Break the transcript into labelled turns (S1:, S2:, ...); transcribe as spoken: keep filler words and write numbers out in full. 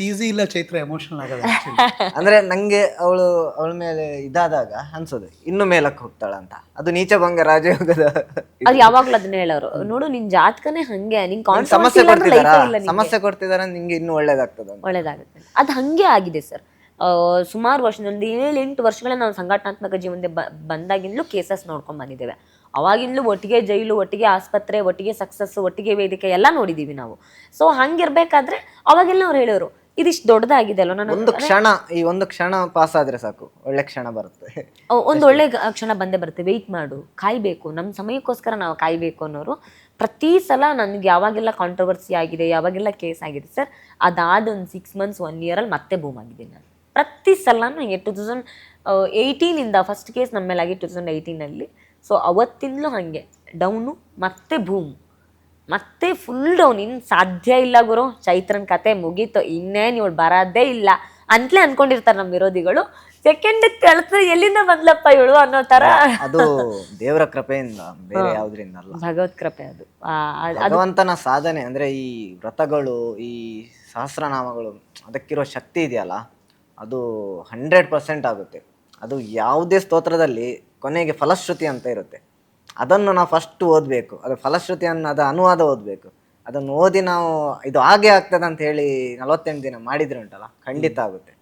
S1: Easy ಇಲ್ಲ Chaitra emotional ಆಗೋದು
S2: ಅಂದ್ರೆ ನಂಗೆ ಅವಳು ಅವಳ ಮೇಲೆ ಇದಾದಾಗ ಅನ್ಸೋದು ಇನ್ನು ಮೇಲಕ್ಕೆ ಹೋಗ್ತಾಳ ಅಂತ. ಅದು ನೀಚಭಂಗ ರಾಜಯೋಗದ
S3: ಅವ್ರು ಯಾವಾಗ್ಲೂ ಅದನ್ನ ಹೇಳೋರು, ನೋಡು ನಿನ್ ಜಾತಕನೇ ಹಂಗೆ, ನಿನ್ ಕಾನ್ಫಿಡೆನ್ಸ್
S2: ಸಮಸ್ಯೆ
S3: ಇಲ್ಲ ಅಂದ್ರೆ
S2: ಕೊಡ್ತಿದಾರ
S3: ಲೈಫೇ ಇಲ್ಲ ನಿಂಗೆ.
S2: ಸಮಸ್ಯೆ ಕೊಡ್ತಿದಾರ ನಿಂಗೆ ಇನ್ನು ಒಳ್ಳೇದಾಗ್ತದ ಅಂತ.
S3: ಒಳ್ಳೇದಾಗುತ್ತೆ ಅದು ಹಂಗೆ ಆಗಿದೆ ಸರ್. ಸುಮಾರು ವರ್ಷದಿಂದ ಏಳು ಎಂಟು ವರ್ಷಗಳ ನಾವು ಸಂಘಟನಾತ್ಮಕ ಜೀವನದ ಬ ಬಂದಾಗಿಂದಲೂ ಕೇಸಸ್ ನೋಡ್ಕೊಂಡ್ ಬಂದಿದ್ದೇವೆ. ಅವಾಗಿಂದಲೂ ಒಟ್ಟಿಗೆ ಜೈಲು, ಒಟ್ಟಿಗೆ ಆಸ್ಪತ್ರೆ, ಒಟ್ಟಿಗೆ ಸಕ್ಸಸ್, ಒಟ್ಟಿಗೆ ವೇದಿಕೆ ಎಲ್ಲ ನೋಡಿದೀವಿ ನಾವು. ಸೊ ಹಂಗಿರ್ಬೇಕಾದ್ರೆ ಅವಾಗೆಲ್ಲ ಅವ್ರು ಹೇಳೋರು ಇದಿಷ್ಟು ದೊಡ್ಡದಾಗಿದೆ ಅಲ್ವ, ನಾನು
S2: ಒಂದು ಕ್ಷಣ ಈ ಒಂದು ಕ್ಷಣ ಪಾಸ್ ಆದ್ರೆ ಸಾಕು, ಒಳ್ಳೆ ಕ್ಷಣ ಬರುತ್ತೆ.
S3: ಒಂದು ಒಳ್ಳೆ ಗ- ಕ್ಷಣ ಬಂದೇ ಬರುತ್ತೆ. ವೆಯ್ಟ್ ಮಾಡು, ಕಾಯ್ಬೇಕು, ನಮ್ಮ ಸಮಯಕ್ಕೋಸ್ಕರ ನಾವು ಕಾಯ್ಬೇಕು ಅನ್ನೋರು. ಪ್ರತಿ ಸಲ ನನಗೆ ಯಾವಾಗೆಲ್ಲ ಕಾಂಟ್ರವರ್ಸಿ ಆಗಿದೆ, ಯಾವಾಗೆಲ್ಲ ಕೇಸ್ ಆಗಿದೆ ಸರ್, ಅದಾದ ಒಂದು ಸಿಕ್ಸ್ ಮಂತ್ಸ್ ಒನ್ ಇಯರಲ್ಲಿ ಮತ್ತೆ ಬೂಮ್ ಆಗಿದ್ದೀನಿ ನಾನು. ಪ್ರತಿ ಸಲ ನನಗೆ ಟೂ ತೌಸಂಡ್ ಏಯ್ಟೀನಿಂದ ಫಸ್ಟ್ ಕೇಸ್ ನಮ್ಮ ಮೇಲಾಗಿ ಟೂ ತೌಸಂಡ್ ಏಯ್ಟೀನಲ್ಲಿ. ಸೊ ಅವತ್ತಿಂದಲೂ ಹಾಗೆ ಡೌನು ಮತ್ತೆ ಬೂಮ್, ಮತ್ತೆ ಫುಲ್ ಡೌನ್. ಇನ್ನು ಸಾಧ್ಯ ಇಲ್ಲ ಗುರು, ಚೈತ್ರನ್ ಕತೆ ಮುಗೀತು, ಇನ್ನೇನು ಇವಳು ಬರೋದೇ ಇಲ್ಲ ಅಂತಲೇ ಅನ್ಕೊಂಡಿರ್ತಾರೆ ನಮ್ಮ ವಿರೋಧಿಗಳು. ಸೆಕೆಂಡ್ ಕಳ್ಸ ಎಲ್ಲಿಂದ ಬಂದ್ಲಪ್ಪ ಇವಳು ಅನ್ನೋ ತರ.
S2: ಅದು ದೇವರ ಕೃಪೆಯಿಂದ, ಬೇರೆ ಯಾವ್ದ್ರಿಂದ ಅಲ್ಲ,
S3: ಭಗವತ್ ಕೃಪೆ ಅದು. ಆ, ಅದ್-
S2: ಭಗವಂತನ ಸಾಧನೆ. ಅಂದ್ರೆ ಈ ವ್ರತಗಳು, ಈ ಸಹಸ್ರನಾಮಗಳು, ಅದಕ್ಕಿರೋ ಶಕ್ತಿ ಇದೆಯಲ್ಲ, ಅದು ಹಂಡ್ರೆಡ್ ಪರ್ಸೆಂಟ್ ಆಗುತ್ತೆ. ಅದು ಯಾವುದೇ ಸ್ತೋತ್ರದಲ್ಲಿ ಕೊನೆಗೆ ಫಲಶ್ರುತಿ ಅಂತ ಇರುತ್ತೆ. ಅದನ್ನು ನಾವು ಫಸ್ಟ್ ಓದಬೇಕು. ಅದು ಫಲಶ್ರುತಿ ಅನ್ನೋ ಅದು ಅನುವಾದ ಓದಬೇಕು. ಅದನ್ನು ಓದಿ ನಾವು ಇದು ಹಾಗೆ ಆಗ್ತದೆ ಅಂತ ಹೇಳಿ ನಲವತ್ತೆಂಟು ದಿನ ಮಾಡಿದ್ರೆ ಉಂಟಲ್ಲ, ಖಂಡಿತ ಆಗುತ್ತೆ.